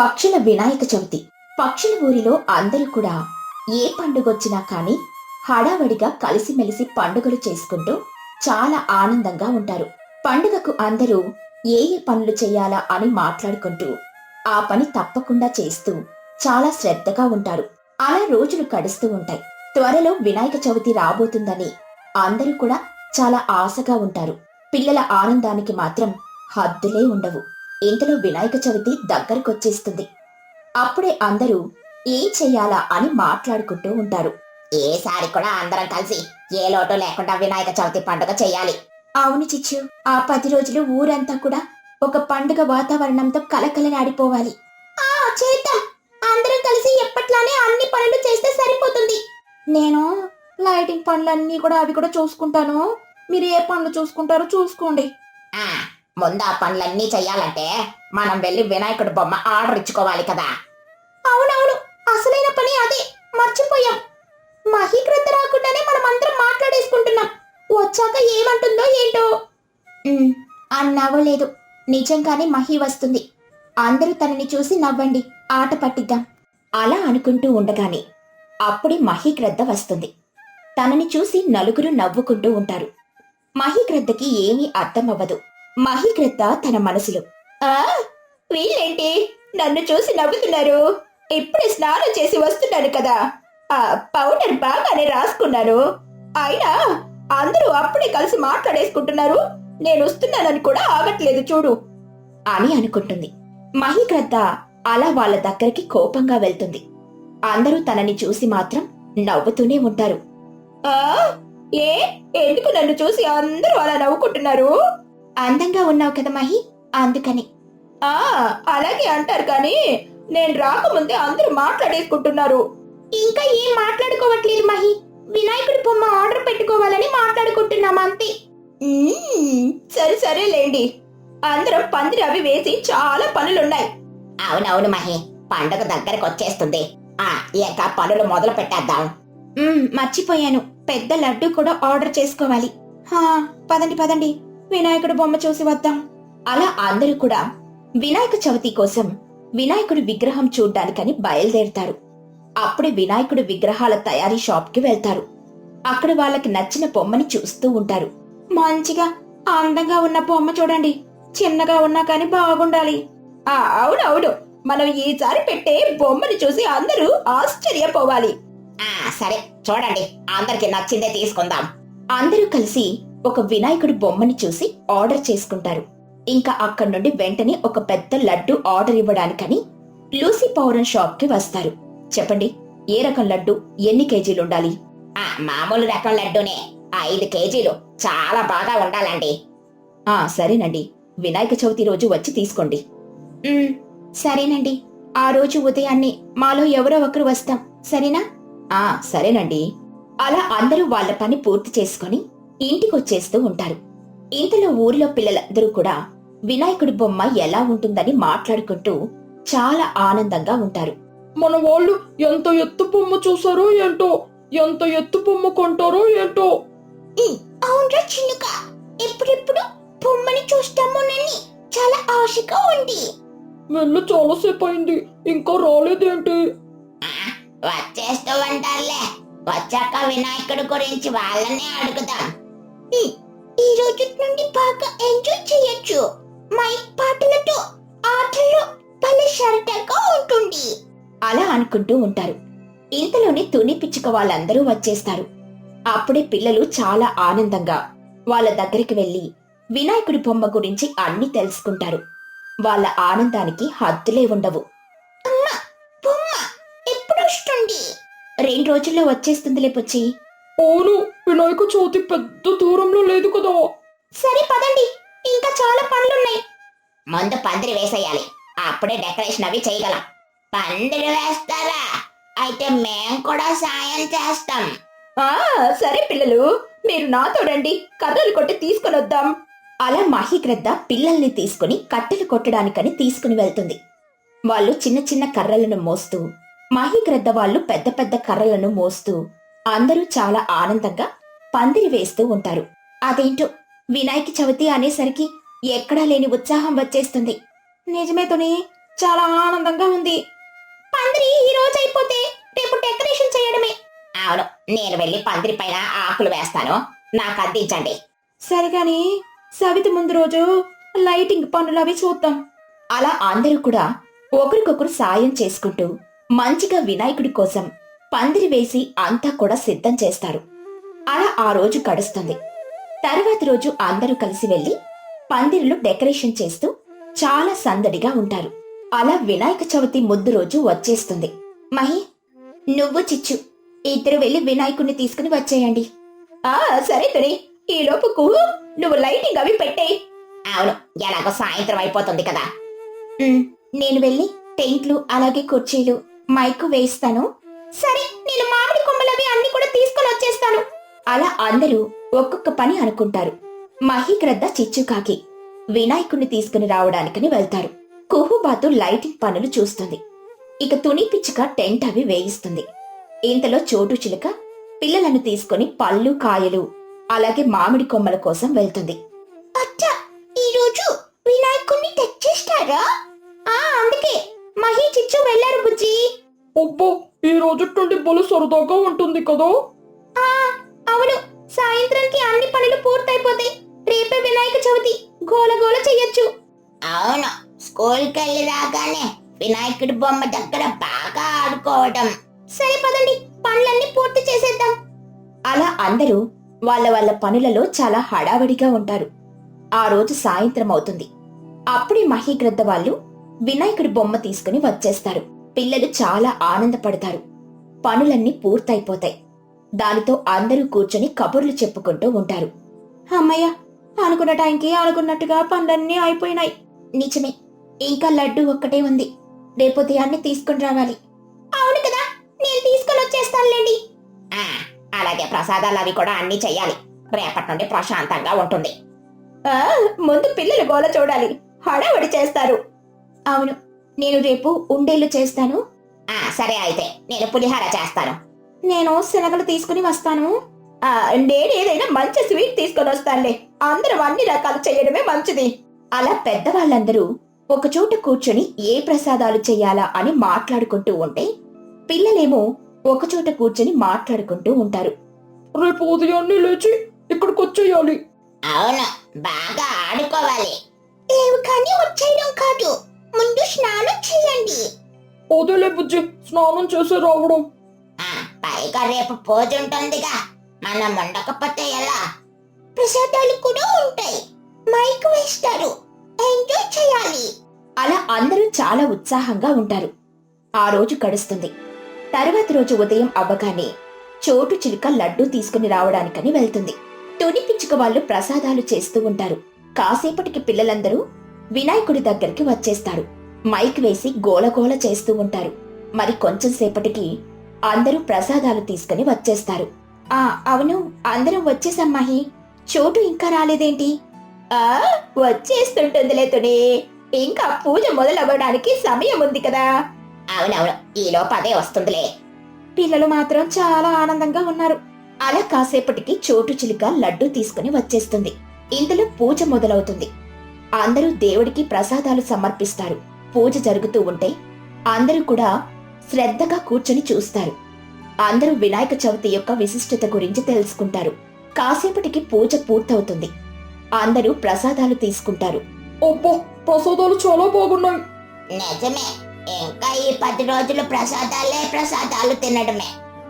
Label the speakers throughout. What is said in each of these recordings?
Speaker 1: పక్షుల వినాయక చవితి. పక్షుల ఊరిలో అందరూ కూడా ఏ పండుగొచ్చినా కానీ హడావడిగా కలిసిమెలిసి పండుగలు చేసుకుంటూ చాలా ఆనందంగా ఉంటారు. పండుగకు అందరూ ఏ ఏ పనులు చేయాలా అని మాట్లాడుకుంటూ ఆ పని తప్పకుండా చేస్తూ చాలా శ్రద్ధగా ఉంటారు. అలా రోజులు గడుస్తూ ఉంటాయి. త్వరలో వినాయక చవితి రాబోతుందని అందరూ కూడా చాలా ఆశగా ఉంటారు. పిల్లల ఆనందానికి మాత్రం హద్దులే ఉండవు. ఇంతలో వినాయక చవితి దగ్గరకొచ్చేస్తుంది. అప్పుడే అందరూ ఏం చెయ్యాలా అని మాట్లాడుకుంటూ ఉంటారు. ఏసారి కూడా అందరం కలిసి ఏ లోటు లేకుండా వినాయక చవితి పండుగ చెయ్యాలి. అవును చిచ్చు, ఆ 10 రోజులు ఊరంతా కూడా ఒక పండుగ వాతావరణంతో కలకలలాడిపోవాలి. చేద్దాం. అందరం కలిసి ఎప్పట్లానే అన్ని పనులు చేస్తే సరిపోతుంది. నేను లైటింగ్ పనులన్నీ కూడా అవి కూడా చూసుకుంటాను. మీరు ఏ పనులు చూసుకుంటారో చూసుకోండి. ముందు ఆ పనులన్నీ చెయ్యాలంటే మనం వెళ్ళి వినాయకుడి బొమ్మ ఆర్డర్ ఇచ్చుకోవాలి కదా. అవునవును, అసలైన పని అదే, మర్చిపోయాం. మహీకృత రాకుండానే మనం అందరం మాట్లాడేసుకుంటున్నాం. వచ్చాక ఏమంటుందో ఏంటో. అన్నావో లేదు, నిజంగానే మహి వస్తుంది. అందరూ తనని చూసి నవ్వండి, ఆట పట్టిద్దాం. అలా అనుకుంటూ ఉండగానే అప్పుడే మహీగ్రద్ద వస్తుంది. తనని చూసి నలుగురు నవ్వుకుంటూ ఉంటారు. మహీగ్రద్దకి ఏమీ అర్థమవ్వదు. మహీగ్రద్ద తన మనసులో, వీళ్ళేంటి నన్ను చూసి నవ్వుతున్నారు? ఇప్పుడే స్నానం చేసి వస్తున్నాను కదా, ఆ పౌడర్ బాగానే రాసుకున్నాను. అయినా అందరూ అప్పుడే కలిసి మాట్లాడేసుకుంటున్నారు. నేను వస్తున్నానని కూడా ఆగట్లేదు చూడు అని అనుకుంటుంది. మహీగ్రద్ద అలా వాళ్ళ దగ్గరికి కోపంగా వెళ్తుంది. అందరూ తనని చూసి మాత్రం నవ్వుతూనే ఉంటారు. ఏ ఎందుకు నన్ను చూసి అందరూ అలా నవ్వుకుంటున్నారు? అందంగా ఉన్నావు కదా మహి, అందుకని. అలాగే అంటారు కానీ నేను రాకముందే అందరూ మాట్లాడేసుకుంటున్నారు. ఇంకా ఏం మాట్లాడుకోవట్లేదు మహి, వినాయకుడి బొమ్మ ఆర్డర్ పెట్టుకోవాలని మాట్లాడుకుంటున్నాం అంతే. సరే సరేలేండి, అందరం పందిరి అవి వేసి చాలా పనులున్నాయి. అవునవును మహి, పండుగ దగ్గరకు వచ్చేస్తుంది. ఇంకా పనులు మొదలు పెట్టేద్దాం. మర్చిపోయాను, పెద్ద లడ్డు కూడా ఆర్డర్ చేసుకోవాలి. పదండి పదండి, వినాయకుడి బొమ్మ చూసి వద్దాం. అలా అందరూ కూడా వినాయక చవితి కోసం వినాయకుడి విగ్రహం చూడ్డానికని బయలుదేరుతారు. అప్పుడే వినాయకుడి విగ్రహాల తయారీ షాప్ కి వెళ్తారు. అక్కడ వాళ్ళకి నచ్చిన బొమ్మని చూస్తూ ఉంటారు. మంచిగా అందంగా ఉన్న బొమ్మ చూడండి, చిన్నగా ఉన్నా కాని బాగుండాలి. అవునవును, మనం ఈసారి పెట్టే బొమ్మని చూసి అందరూ ఆశ్చర్యపోవాలి. సరే చూడండి, అందరికి నచ్చిందే తీసుకుందాం. అందరూ కలిసి ఒక వినాయకుడి బొమ్మని చూసి ఆర్డర్ చేసుకుంటారు. ఇంకా అక్కడి నుండి వెంటనే ఒక పెద్ద లడ్డు ఆర్డర్ ఇవ్వడానికని లూసీ పౌరన్ షాప్ కి వస్తారు. చెప్పండి, ఏ రకం లడ్డు, ఎన్ని కేజీలు ఉండాలి? మామూలు రకం లడ్డూనే, 5 కేజీలు, చాలా బాగా ఉండాలండి. సరేనండి, వినాయక చవితి రోజు వచ్చి తీసుకోండి. సరేనండి, ఆ రోజు ఉదయాన్నే మాలో ఎవరో ఒకరు వస్తాం, సరేనా? సరేనండి. అలా అందరూ వాళ్ళ పని పూర్తి చేసుకుని ఇంటికొచ్చేస్తూ ఉంటారు. ఇంతలో ఊరిలో పిల్లలందరూ కూడా వినాయకుడి బొమ్మ ఎలా ఉంటుందని మాట్లాడుకుంటూ చాలా ఆనందంగా ఉంటారు.
Speaker 2: మన వాళ్ళు ఎంత ఎత్తు బొమ్మ చూసారో ఏంటో, ఎంత ఎత్తు బొమ్మ కొంటారో ఏంటో.
Speaker 1: అవునరా చిన్నుక, ఎప్పుడెప్పుడు బొమ్మని చూస్తామోనని చాలా ఆశగా ఉంది.
Speaker 2: వెళ్ళి చాలాసేపు అయింది, ఇంకా రాలేదేంటి?
Speaker 1: వచ్చేస్తూ ఉంటారులే, వచ్చాక వినాయకుడి గురించి వాళ్ళనే అడుగుదాం. ఈ రోజు నుండి బాగా ఎంజాయ్ చేయొచ్చు. మైక్ పాటలతో ఆటలు భలే సరదాగా ఉంటుంది. అలా అనుకుంటూ ఉంటారు. ఇంతలోనే తుని పిచ్చుక వాళ్ళందరూ వచ్చేస్తారు. అప్పుడే పిల్లలు చాలా ఆనందంగా వాళ్ళ దగ్గరికి వెళ్లి వినాయకుడి బొమ్మ గురించి అన్ని తెలుసుకుంటారు. వాళ్ళ ఆనందానికి హద్దులే ఉండవు. అమ్మా, బొమ్మ ఎప్పుడొస్తుంది? 2 రోజుల్లో వచ్చేస్తుందిలే పుచ్చి.
Speaker 2: అవును, వినాయక చవితి పెద్ద దూరంలో లేదు కదా.
Speaker 1: సరే పదండి, ఇంకా చాలా పనులున్నాయి. ముందు పందిరి వేసేయాలి, అప్పుడే డెకరేషన్ అవి చేయగలం. పందిరి వేస్తారా? అయితే మేం కూడా సాయం చేస్తాం. సరే పిల్లలు, మీరు నాతో రండి, కర్రలు కొట్టి తీసుకుని వద్దాం. అలా మహీగ్రద్ద పిల్లల్ని తీసుకుని కట్టెలు కొట్టడానికని తీసుకుని వెళ్తుంది. వాళ్ళు చిన్న చిన్న కర్రలను మోస్తూ, మహీగ్రద్ద వాళ్ళు పెద్ద పెద్ద కర్రలను మోస్తూ అందరూ చాలా ఆనందంగా పందిరి వేస్తూ ఉంటారు. అదేంటో వినాయక చవితి అనేసరికి ఎక్కడా లేని ఉత్సాహం వచ్చేస్తుంది. నిజమే తుని, చాలా ఆనందంగా ఉంది. పందిరి ఈ రోజు అయిపోతే రేపు డెకరేషన్ చేయడమే. అవును, నేను వెళ్ళి పందిరి పైన ఆకులు వేస్తాను, నాకు అందించండి. సరిగాని సవితి ముందు రోజు లైటింగ్ పనులు అవి చూద్దాం. అలా అందరూ కూడా ఒకరికొకరు సాయం చేసుకుంటూ మంచిగా వినాయకుడి కోసం పందిరి వేసి అంతా కూడా సిద్ధం చేస్తారు. అలా ఆ రోజు గడుస్తుంది. తర్వాతి రోజు అందరూ కలిసి వెళ్లి పందిరిలో డెకరేషన్ చేస్తూ చాలా సందడిగా ఉంటారు. అలా వినాయక చవితి ముద్దు రోజు వచ్చేస్తుంది. మహి, నువ్వు చిచ్చు ఇద్దరు వెళ్లి వినాయకుడిని తీసుకుని వచ్చేయండి. సరే తుని, ఈ లోపుకు నువ్వు లైటింగ్ అవి పెట్టేయి. అవును, ఎలాగో సాయంత్రం అయిపోతుంది కదా. నేను వెళ్ళి టెంట్లు అలాగే కుర్చీలు మైకు వేస్తాను. సరే, నేను మామిడి కొమ్మలవి అన్ని కూడా తీసుకుని వచ్చేస్తాను. అలా అందరూ ఒక్కొక్క పని అనుకుంటారు. మహిగ్రద్ద చిచ్చుకాకి వినాయకుడిని తీసుకుని రావడానికని వెళ్తారు. కుహుబాతు లైటింగ్ పనులు చూస్తుంది. ఇక తుని పిచ్చుక టెంట్ అవి వేయిస్తుంది. ఇంతలో చోటు చిలుక పిల్లలను తీసుకుని పళ్ళు కాయలు అలాగే మామిడి కొమ్మల కోసం వెళ్తుంది. అచ్చా, ఈరోజు వినాయకుడిని తెచ్చేస్తారా? అందుకే మహి చిచ్చు వెళ్లారు బుజ్జి.
Speaker 2: అబ్బో, ఈ రోజు నుండి బలు సరదాగా ఉంటుంది కదా.
Speaker 1: అవును, సాయంత్రానికి అన్ని పనులు పూర్తయిపోతాయి. రేపే వినాయక చవితి, గోల గోల చెయ్యొచ్చు. అవును, స్కూల్కి వెళ్ళి రాగానే వినాయకుడి బొమ్మ దగ్గర బాగా ఆడుకోవడం. సరే పదండి, పనులన్నీ పూర్తి చేసేద్దాం. అలా అందరూ వాళ్ళ వాళ్ళ పనులలో చాలా హడావిడిగా ఉంటారు. ఆ రోజు సాయంత్రం అవుతుంది. అప్పుడే మహిగ్రద్ద వాళ్ళు వినాయకుడి బొమ్మ తీసుకుని వచ్చేస్తారు. పిల్లలు చాలా ఆనందపడతారు. పనులన్నీ పూర్తయిపోతాయి. దానితో అందరూ కూర్చొని కబుర్లు చెప్పుకుంటూ ఉంటారు. అమ్మయ్య, అనుకున్న టైంకి అనుకున్నట్టుగా పనులన్నీ అయిపోయినాయి. నిజమే, ఇంకా లడ్డు ఒక్కటే ఉంది. రేపు ఉదయాన్నే తీసుకుని రావాలి. అవును కదా, నేను తీసుకుని వచ్చేస్తానులేండి. అలాగే ప్రసాదాలు అవి కూడా అన్ని చెయ్యాలి. రేపటి నుండి ప్రశాంతంగా ఉంటుంది. ముందు పిల్లలు గోల చూడాలి, హడావడి చేస్తారు. అవును, నేను రేపు ఉండేళ్ళు చేస్తాను. సరే అయితే నేను పులిహార చేస్తాను. నేను శనగలు తీసుకుని వస్తాను. నేనేదైనా మంచి స్వీట్ తీసుకొని వస్తానులే. అందరం అన్ని రకాలు చేయడమే మంచిది. అలా పెద్దవాళ్ళందరూ ఒకచోట కూర్చొని ఏ ప్రసాదాలు చెయ్యాలా అని మాట్లాడుకుంటూ ఉంటే పిల్లలేమో ఒకచోట కూర్చొని మాట్లాడుకుంటూ ఉంటారు.
Speaker 2: రేపు ఉదయాన్నే లేచి ఇక్కడికి వచ్చేయాలి.
Speaker 1: అవును, బాగా ఆడుకోవాలి. లేవు కానీ వచ్చేయడం కాదు, ముందు స్నానం చేయండి.
Speaker 2: అదేలే బుజ్జి, స్నానం చేసి రావడం.
Speaker 1: పైగా రేపు పూజ ఉంటుందిగా, మనం ఉండకపోతే ఎలా? ప్రసాదాలు కూడా ఉంటాయి, మైక్ వేస్తారు, ఎంజాయ్ చేయాలి. అలా అందరూ చాలా ఉత్సాహంగా ఉంటారు. ఆ రోజు గడుస్తుంది. తర్వాతి రోజు ఉదయం అవ్వగానే చోటు చిలుక లడ్డూ తీసుకుని రావడానికని వెళ్తుంది. తుని పిచ్చుక వాళ్ళు ప్రసాదాలు చేస్తూ ఉంటారు. కాసేపటికి పిల్లలందరూ వినాయకుడి దగ్గరికి వచ్చేస్తారు. మైక్ వేసి గోలగోల చేస్తూ ఉంటారు. మరి కొంచెం సేపటికి అందరూ ప్రసాదాలు తీసుకుని వచ్చేస్తారు. అవును, అందరం వచ్చేసమ్మాహి. చోటు ఇంకా రాలేదేంటి? వచ్చేస్తుంటుందిలే తుని, ఇంకా పూజ మొదలవ్వడానికి సమయం ఉంది కదా. అవునవును, ఈలోపు అదే వస్తుందిలే. పిల్లలు మాత్రం చాలా ఆనందంగా ఉన్నారు. అలా కాసేపటికి చోటు చిలుక లడ్డూ తీసుకుని వచ్చేస్తుంది. ఇంతలో పూజ మొదలవుతుంది. అందరూ దేవుడికి ప్రసాదాలు సమర్పిస్తారు. పూజ జరుగుతూ ఉంటే అందరూ కూడా శ్రద్ధగా కూర్చొని చూస్తారు. అందరూ వినాయక చవితి యొక్క విశిష్టత గురించి తెలుసుకుంటారు. కాసేపటికి పూజ పూర్తవుతుంది. అందరూ ప్రసాదాలు తీసుకుంటారు.
Speaker 2: అబ్బో, ప్రసాదాలు చాలా బాగున్నాయి.
Speaker 1: నిజమే, ఇంకా ఈ 10 రోజులు ప్రసాదాలు తినడమే.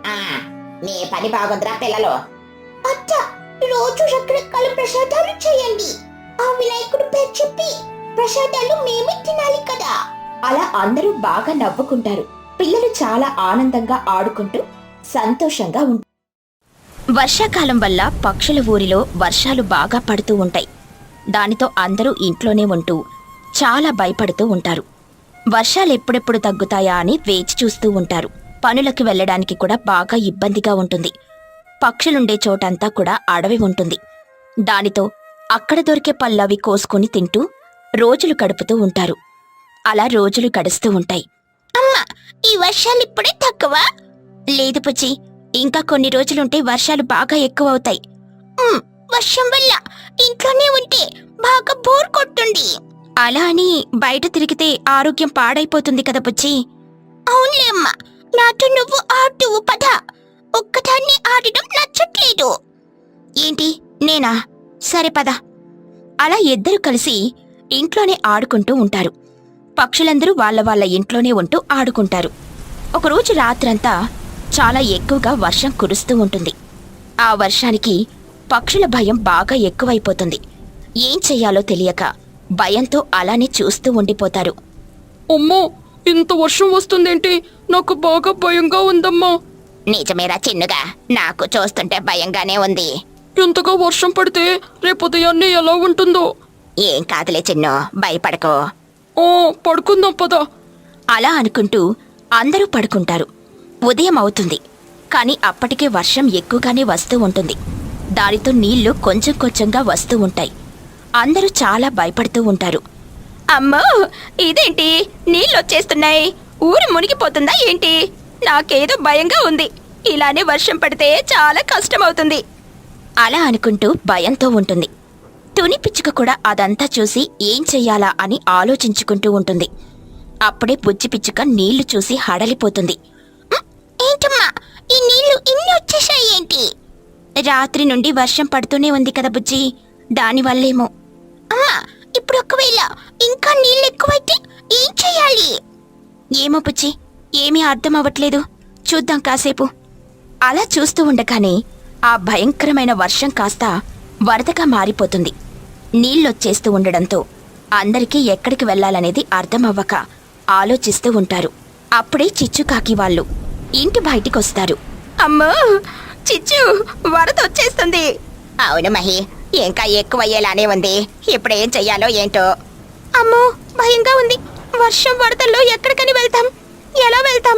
Speaker 1: మీ పని బాగుందిరా పిల్లలు. అచ్చా, రోజు రకరకాల ప్రసాదాలు చేయండి. ఆ వినాయకుడు పేరు చెప్పి ప్రసాదాలు మేమే తినాలి కదా. అలా అందరూ బాగా నవ్వుకుంటారు. పిల్లలు చాలా ఆనందంగా ఆడుకుంటూ సంతోషంగా ఉంటారు. వర్షాకాలం వల్ల పక్షుల ఊరిలో వర్షాలు బాగా పడుతూ ఉంటాయి. దానితో అందరూ ఇంట్లోనే ఉంటూ చాలా భయపడుతూ ఉంటారు. వర్షాలు ఎప్పుడెప్పుడు తగ్గుతాయా అని వేచి చూస్తూ ఉంటారు. పనులకు వెళ్లడానికి కూడా బాగా ఇబ్బందిగా ఉంటుంది. పక్షులుండే చోటంతా కూడా అడవి ఉంటుంది. దానితో అక్కడ దొరికే పళ్ళవి కోసుకుని తింటూ రోజులు గడుపుతూ ఉంటారు. అలా రోజులు గడుస్తూ ఉంటాయి. అమ్మా, ఈ వర్షాలు ఇప్పుడే తక్కువ? లేదు పుచ్చి, ఇంకా కొన్ని రోజులుంటే వర్షాలు బాగా ఎక్కువ అవుతాయి. వర్షం వల్ల ఇంట్లోనే ఉంటే బాగా బోర్ కొట్టుంది. అలా అని బయట తిరిగితే ఆరోగ్యం పాడైపోతుంది కదా బుజ్జి. అవునులే అమ్మా, నాతో నువ్వు ఆడువు పద. ఒక్కదాన్ని ఆడడం నచ్చట్లేదు. ఏంటి నేనా? సరే పద. అలా ఇద్దరు కలిసి ఇంట్లోనే ఆడుకుంటూ ఉంటారు. పక్షులందరూ వాళ్ళ ఇంట్లోనే ఉంటూ ఆడుకుంటారు. ఒకరోజు రాత్రంతా చాలా ఎక్కువగా వర్షం కురుస్తూ ఉంటుంది. ఆ వర్షానికి పక్షుల భయం బాగా ఎక్కువైపోతుంది. ఏం చెయ్యాలో తెలియక భయంతో అలానే చూస్తూ ఉండిపోతారు.
Speaker 2: అమ్మో, ఇంత వర్షం వస్తుందేంటి? నాకు బాగా భయంగా ఉందమ్మా.
Speaker 1: నిజమేరా చిన్నుగా, నాకు చూస్తుంటే భయంగానే ఉంది.
Speaker 2: ఇంతగా వర్షం పడితే రేపు ఉదయాన్నే ఎలా ఉంటుందో.
Speaker 1: ఏం కాదులే చిన్ను, భయపడకో.
Speaker 2: ఓ, పడుకుందాం పద.
Speaker 1: అలా అనుకుంటూ అందరూ పడుకుంటారు. ఉదయం అవుతుంది. కాని అప్పటికే వర్షం ఎక్కువగానే వస్తూ ఉంటుంది. దానితో నీళ్లు కొంచెం కొంచెంగా వస్తూ ఉంటాయి. అందరూ చాలా భయపడుతూ ఉంటారు. అమ్మో, ఇదేంటి నీళ్ళొచ్చేస్తున్నాయి? ఊరు మునిగిపోతుందా ఏంటి? నాకేదో భయంగా ఉంది. ఇలానే వర్షం పడితే చాలా కష్టమవుతుంది. అలా అనుకుంటూ భయంతో ఉంటుంది. తుని పిచ్చుక కూడా అదంతా చూసి ఏం చెయ్యాలా అని ఆలోచించుకుంటూ ఉంటుంది. అప్పుడే బుజ్జి పిచ్చుక నీళ్లు చూసి హడలిపోతుంది. ఏంటమ్మా, ఈ నీళ్లు ఇన్ని వచ్చేసాయి ఏంటి? రాత్రి నుండి వర్షం పడుతూనే ఉంది కదా బుజ్జి, దానివల్లేమో. అమ్మా, ఇప్పుడు ఒకవేళ ఇంకా నీళ్ళు ఎక్కువైతే ఏం చెయ్యాలి? ఏమో బుజ్జి, ఏమీ అర్థం అవ్వట్లేదు. చూద్దాం కాసేపు. అలా చూస్తూ ఉండగానే ఆ భయంకరమైన వర్షం కాస్త వరదగా మారిపోతుంది. నీళ్ళొచ్చేస్తూ ఉండడంతో అందరికీ ఎక్కడికి వెళ్లాలనేది అర్థమవ్వక ఆలోచిస్తూ ఉంటారు. అప్పుడే చిచ్చుకాకి వాళ్ళు ఇంటి బయటికొస్తారు. అమ్మో, చిచ్చు, వరద వచ్చేస్తుంది. అవును మహి, ఇంకా ఎక్కువయ్యేలానే ఉంది. ఇప్పుడేం చెయ్యాలో ఏంటో. అమ్మో, భయంగా ఉంది. వర్షం వరదల్లో ఎక్కడికని వెళ్తాం? ఎలా వెళ్తాం?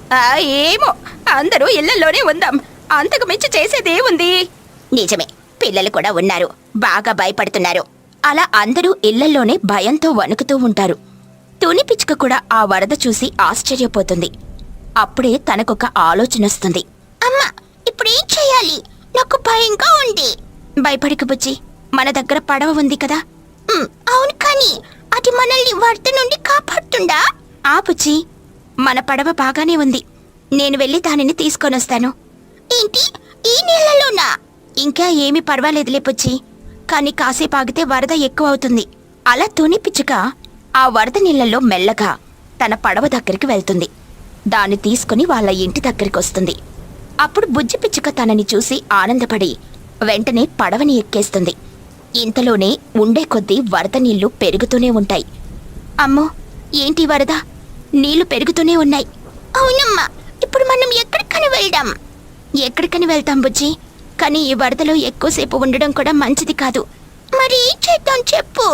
Speaker 1: ఏమో, అందరూ ఇళ్లలోనే ఉందాం. అంతకు మించి చేసేదేముంది? నిజమే, పిల్లలు కూడా ఉన్నారు, బాగా భయపడుతున్నారు. అలా అందరూ ఇళ్లలోనే భయంతో వణుకుతూ ఉంటారు. తుని పిచ్చుక కూడా ఆ వరద చూసి ఆశ్చర్యపోతుంది. అప్పుడే తనకొక ఆలోచనొస్తుంది. అమ్మా, ఇప్పుడేం చెయ్యాలి? నాకు భయంగా ఉంది. భయపడకు బుజ్జి, మన దగ్గర పడవ ఉంది కదా. అవును, కానీ అది మనల్ని వరద నుండి కాపాడుతుందా? ఆ బుజ్జి, మన పడవ బాగానే ఉంది. నేను వెళ్ళి దానిని తీసుకొనొస్తాను. ఏంటి, ఈ నీళ్లలోనా? ఇంకా ఏమీ పర్వాలేదులే బుజ్జి, కానీ కాసేపు ఆగితే వరద ఎక్కువ అవుతుంది. అలా తుని పిచ్చుక ఆ వరద నీళ్లలో మెల్లగా తన పడవ దగ్గరికి వెళ్తుంది. దాన్ని తీసుకుని వాళ్ళ ఇంటి దగ్గరికొస్తుంది. అప్పుడు బుజ్జి పిచ్చుక తనని చూసి ఆనందపడి వెంటనే పడవని ఎక్కేస్తుంది. ఇంతలోనే ఉండే కొద్దీ వరద నీళ్లు పెరుగుతూనే ఉంటాయి. అమ్మో, ఏంటి వరద? నీళ్లు పెరుగుతూనే ఉన్నాయి. అవునమ్మా, ఇప్పుడు మనం ఎక్కడికని వెళ్దాం? ఎక్కడికని వెళ్తాం బుజ్జి, కానీ ఈ వరదలో ఎక్కువసేపు ఉండడం కూడా మంచిది కాదు. మరి ఏం చేద్దాం చెప్పు.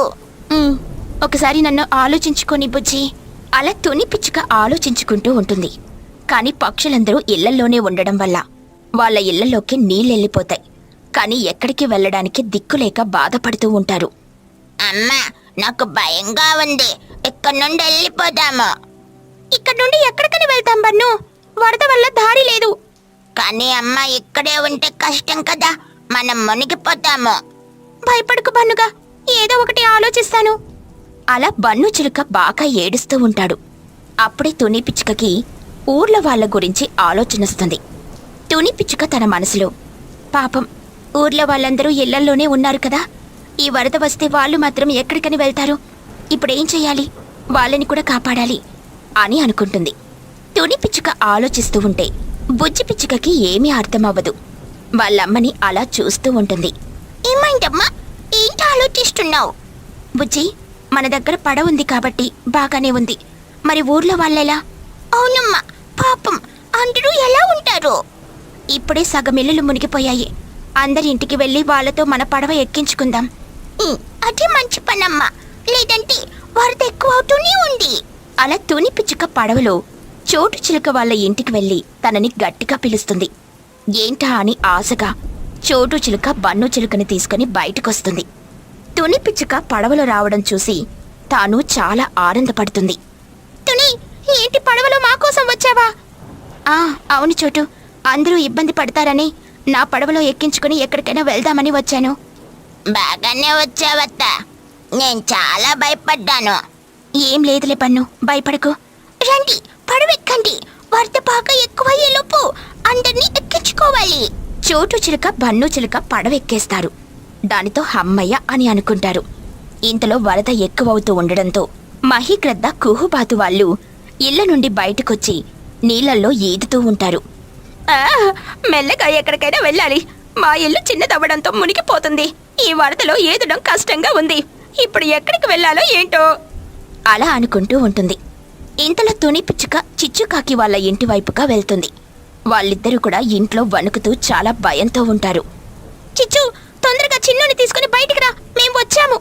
Speaker 1: ఒకసారి నన్ను ఆలోచించుకొని బుజ్జి. అలా తుని పిచ్చుక ఆలోచించుకుంటూ ఉంటుంది. కాని పక్షులందరూ ఇళ్లల్లోనే ఉండడం వల్ల వాళ్ళ ఇళ్లలోకి నీళ్ళెళ్ళిపోతాయి. కాని ఎక్కడికి వెళ్ళడానికి దిక్కులేక బాధపడుతూ ఉంటారు. అమ్మా, నాకు భయంగా ఉంది. ఇక్కడ నుండి వెళ్ళిపోదాము. ఇక్కడ నుండి ఎక్కడికని వెళ్తాం బన్ను? వరద వల్ల దారి లేదు. కానీ అమ్మ, ఇక్కడే ఉంటే కష్టం కదా, మనం మునిగిపోతాము. భయపడకు బన్నుగా, ఏదో ఒకటి ఆలోచిస్తాను. అలా బన్ను చిలుక బాగా ఏడుస్తూ ఉంటాడు. అప్పుడే తుని పిచ్చుకకి ఊర్ల వాళ్ళ గురించి ఆలోచనొస్తుంది. తుని పిచ్చుక తన మనసులో, పాపం, ఊర్లో వాళ్ళందరూ ఇళ్లల్లోనే ఉన్నారు కదా, ఈ వరద వస్తే వాళ్ళు మాత్రం ఎక్కడికని వెళ్తారు? ఇప్పుడేం చెయ్యాలి? వాళ్ళని కూడా కాపాడాలి అని అనుకుంటుంది. తుని పిచ్చుక ఆలోచిస్తూ ఉంటే బుజ్జి పిచ్చుకకి ఏమీ అర్థమవ్వదు. వాళ్ళమ్మని అలా చూస్తూ ఉంటుంది. ఏమైందమ్మా, ఏంటి ఆలోచిస్తున్నావు? బుజ్జి, మన దగ్గర పడవ ఉంది కాబట్టి బాగానే ఉంది. మరి ఊర్లో వాళ్ళెలా? అవునమ్మా, పాపం, అందరూ ఎలా ఉంటారు? ఇప్పుడే సగం ఇల్లులు మునిగిపోయాయి. అందరి ఇంటికి వెళ్ళి వాళ్ళతో మన పడవ ఎక్కించుకుందాం. అదే మంచి పనమ్మా, లేదంటే వరద ఎక్కువ అవుతూనే ఉంది. అలా తుని పిచ్చుక పడవలో చోటు చిలుక వాళ్ళ ఇంటికి వెళ్ళి తనని గట్టిగా పిలుస్తుంది. ఏంటా అని ఆశగా చోటు చిలుక బన్ను చిలుకని తీసుకుని బయటకొస్తుంది. తుని పిచ్చుక పడవలో రావడం చూసి తాను చాలా ఆనందపడుతుంది. తుని, ఏంటి పడవలో మా కోసం వచ్చావా? అవును చోటు, అందరూ ఇబ్బంది పడతారని నా పడవలో ఎక్కించుకుని ఎక్కడికైనా వెళ్దామని వచ్చాను. బాగానే వచ్చావత్తా.
Speaker 3: నేను చాలా భయపడ్డాను. ఏం లేదులే పన్ను, భయపడకు. రండి, పడవెక్కండి. వరద బాగా ఎక్కువయ్యేలోపు అందరినీ ఎక్కించుకోవాలి. చోటు చిలుక బన్ను చిలుక పడవెక్కేస్తారు. దానితో హమ్మయ్య అని అనుకుంటారు. ఇంతలో వరద ఎక్కువవుతూ ఉండడంతో మహిగ్రద్ద కుహుబాతు వాళ్ళు ఇళ్ల నుండి బయటకొచ్చి నీళ్లల్లో ఈదుతూ ఉంటారు. మెల్లగా ఎక్కడికైనా వెళ్ళాలి. మా ఇల్లు చిన్నదవ్వడంతో మునిగిపోతుంది. ఈ వరదలో ఈదడం కష్టంగా ఉంది. ఇప్పుడు ఎక్కడికి వెళ్ళాలో ఏంటో అలా అనుకుంటూ ఉంటుంది. ఇంతలో తుని పిచ్చుక చిచ్చుకాకి వాళ్ళ ఇంటి వైపుగా వెళ్తుంది. వాళ్ళిద్దరూ కూడా ఇంట్లో వణుకుతూ చాలా భయంతో ఉంటారు. చిచ్చు, తొందరగా చిన్నుని తీసుకుని బయటికి రా, మేం వచ్చాము.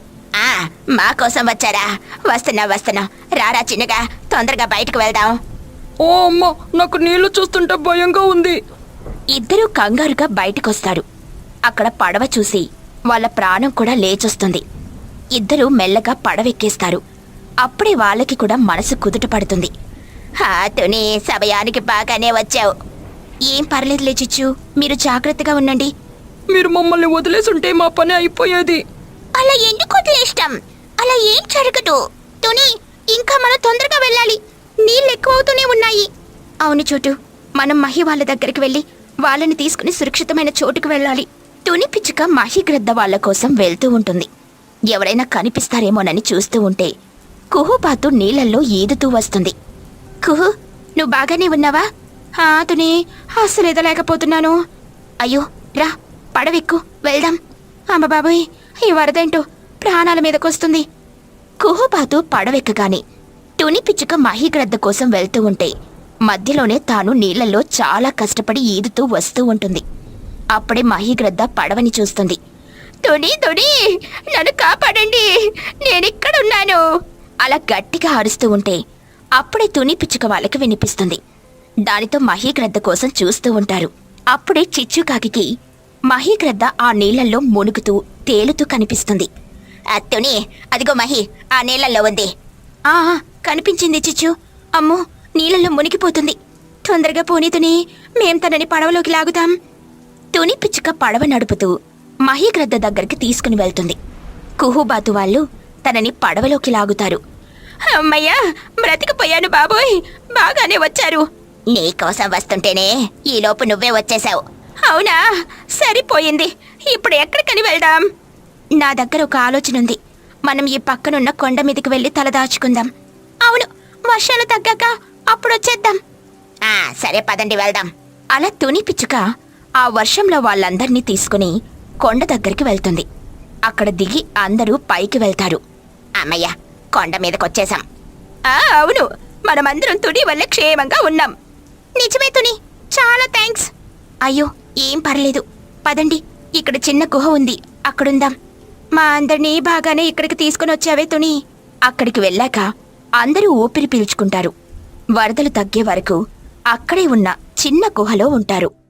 Speaker 3: మా కోసం వచ్చారా? వస్తున్నా. రారా చిన్నగా, తొందరగా బయటకు వెళ్దాం.
Speaker 2: ఓ అమ్మ, నాకు నీళ్లు చూస్తుంటే భయంగా ఉంది.
Speaker 3: ఇద్దరూ కంగారుగా బయటకొస్తారు. అక్కడ పడవ చూసి వాళ్ళ ప్రాణం కూడా లేచొస్తుంది. ఇద్దరూ మెల్లగా పడవెక్కేస్తారు. అప్పుడే వాళ్ళకి కూడా మనసు కుదుట పడుతుంది. తుని, సమయానికి బాగానే వచ్చావు. ఏం పర్లేదులే చిచ్చు, మీరు జాగ్రత్తగా ఉండండి.
Speaker 2: మీరు మమ్మల్ని వదిలేసుంటే మా పని అయిపోయేది.
Speaker 3: అలా ఎందుకు వదిలేస్తాం? అలా ఏం జరగదు. తుని, ఇంకా మనం తొందరగా వెళ్ళాలి. నీళ్ళు ఎక్కువవుతూనే ఉన్నాయి. అవును చోటు, మనం మహి వాళ్ళ దగ్గరికి వెళ్ళి వాళ్ళని తీసుకుని సురక్షితమైన చోటుకు వెళ్ళాలి. తుని పిచ్చుక మహిగ్రద్ద వాళ్ళ కోసం వెళ్తూ ఉంటుంది. ఎవరైనా కనిపిస్తారేమోనని చూస్తూ ఉంటే కుహుబాతు నీళ్లల్లో ఈదుతూ వస్తుంది. కుహు, నువ్వు బాగానే ఉన్నావా? తుని, అస్సలు ఎదలేకపోతున్నాను. అయ్యో, రా, పడవెక్కు, వెళ్దాం. అమ్మ బాబోయ్, ఈ వరదేంటో ప్రాణాల మీదకొస్తుంది. కుహుబాతు పడవెక్కగానే తుని పిచ్చుక మహిగ్రద్ద కోసం వెళ్తూ ఉంటే మధ్యలోనే తాను నీళ్లలో చాలా కష్టపడి ఈదుతూ వస్తూ ఉంటుంది. అప్పుడే మహిగ్రద్ద పడవని చూస్తుంది. తుని, నన్ను కాపాడండి, నేనిక్కడున్నాను అలా గట్టిగా అరుస్తూ ఉంటే అప్పుడే తుని పిచ్చుక వాళ్ళకి వినిపిస్తుంది. దానితో మహిగ్రద్ద కోసం చూస్తూ ఉంటారు. అప్పుడే చిచ్చుకాకి మహిగ్రద్ద ఆ నీళ్లలో మునుగుతూ తేలుతూ కనిపిస్తుంది. తుని, అదిగో మహి ఆ నీళ్లలో ఉంది. కనిపించింది చిచ్చు. అమ్మో, నీళ్లలో మునిగిపోతుంది. తొందరగా పోనీ తుని, మేం తనని పడవలోకి లాగుతాం. తుని పిచ్చుక పడవ నడుపుతూ మహిగ్రద్ద దగ్గరికి తీసుకుని వెళ్తుంది. కుహుబాతు వాళ్ళు తనని పడవలోకి లాగుతారు. అమ్మయ్యా, బ్రతికిపోయాను బాబోయ్, బాగానే వచ్చారు. నీకోసం వస్తుంటేనే ఈలోపు నువ్వే వచ్చేశావు. అవునా, సరిపోయింది. ఇప్పుడు ఎక్కడికని వెళ్దాం? నా దగ్గర ఒక ఆలోచన ఉంది. మనం ఈ పక్కనున్న కొండ మీదకి వెళ్ళి తలదాచుకుందాం. అవును, వర్షాలు తగ్గాక అప్పుడొచ్చేద్దాం. సరే పదండి, వెళ్దాం. అలా తుని పిచ్చుక ఆ వర్షంలో వాళ్ళందర్నీ తీసుకుని కొండ దగ్గరికి వెళ్తుంది. అక్కడ దిగి అందరూ పైకి వెళ్తారు. అమ్మయ్య, కొండ మీదకొచ్చేశాం. అవును, మనమందరం తుని వల్ల క్షేమంగా ఉన్నాం. నిజమే తుని, చాలా థ్యాంక్స్. అయ్యో, ఏం పర్లేదు. పదండి, ఇక్కడ చిన్న గుహ ఉంది, అక్కడుందాం. మా అందరినీ బాగానే ఇక్కడికి తీసుకుని వచ్చావే తుని. అక్కడికి వెళ్ళాక అందరూ ఊపిరి పీల్చుకుంటారు. వరదలు తగ్గే వరకు అక్కడే ఉన్న చిన్న గుహలో ఉంటారు.